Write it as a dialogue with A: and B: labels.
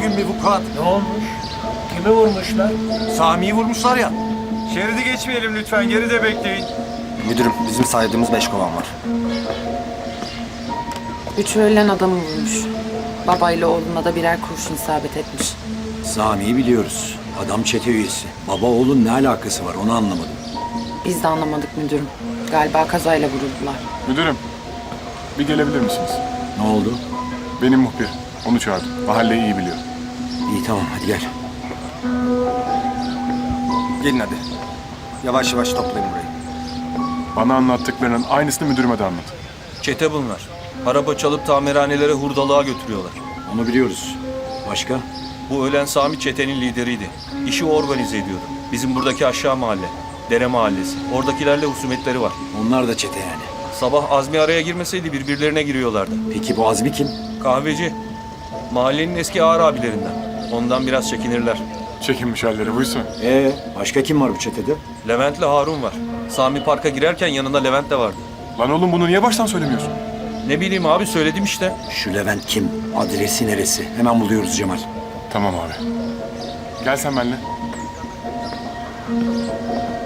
A: bugün bir vukuat.
B: Ne olmuş? Kimi vurmuşlar?
A: Sami'yi vurmuşlar ya.
C: Şeridi geçmeyelim lütfen. Geride bekleyin.
A: Müdürüm bizim saydığımız 5 kovan var.
D: 3 öğlen adamı vurmuş. Babayla oğluna da birer kurşun isabet etmiş.
E: Sami'yi biliyoruz. Adam çete üyesi. Baba oğlun ne alakası var onu anlamadım.
D: Biz de anlamadık müdürüm. Galiba kazayla vuruldular.
F: Müdürüm, bir gelebilir misiniz?
E: Ne oldu?
F: Benim muhbir. Onu çağırdım. Mahalleyi iyi biliyor.
E: İyi tamam hadi gel.
A: Gelin hadi. Yavaş yavaş toplayın burayı.
F: Bana anlattıklarının aynısını müdürüme de anlat.
C: Çete bunlar. Araba çalıp tamirhanelere hurdalığa götürüyorlar.
E: Onu biliyoruz. Başka?
C: Bu ölen Sami çetenin lideriydi. İşi o organize ediyordu. Bizim buradaki aşağı mahalle. Dere mahallesi. Oradakilerle husumetleri var.
E: Onlar da çete yani.
C: Sabah Azmi araya girmeseydi birbirlerine giriyorlardı.
E: Peki bu Azmi kim?
C: Kahveci. Mahallenin eski ağır abilerinden. Ondan biraz çekinirler.
F: Çekinmiş halleri buysa.
E: Başka kim var bu çetede?
C: Levent'le Harun var. Sami parka girerken yanında Levent de vardı.
F: Lan oğlum bunu niye baştan söylemiyorsun?
C: Ne bileyim abi söyledim işte.
E: Şu Levent kim? Adresi neresi? Hemen buluyoruz Cemal.
F: Tamam abi. Gel sen benimle.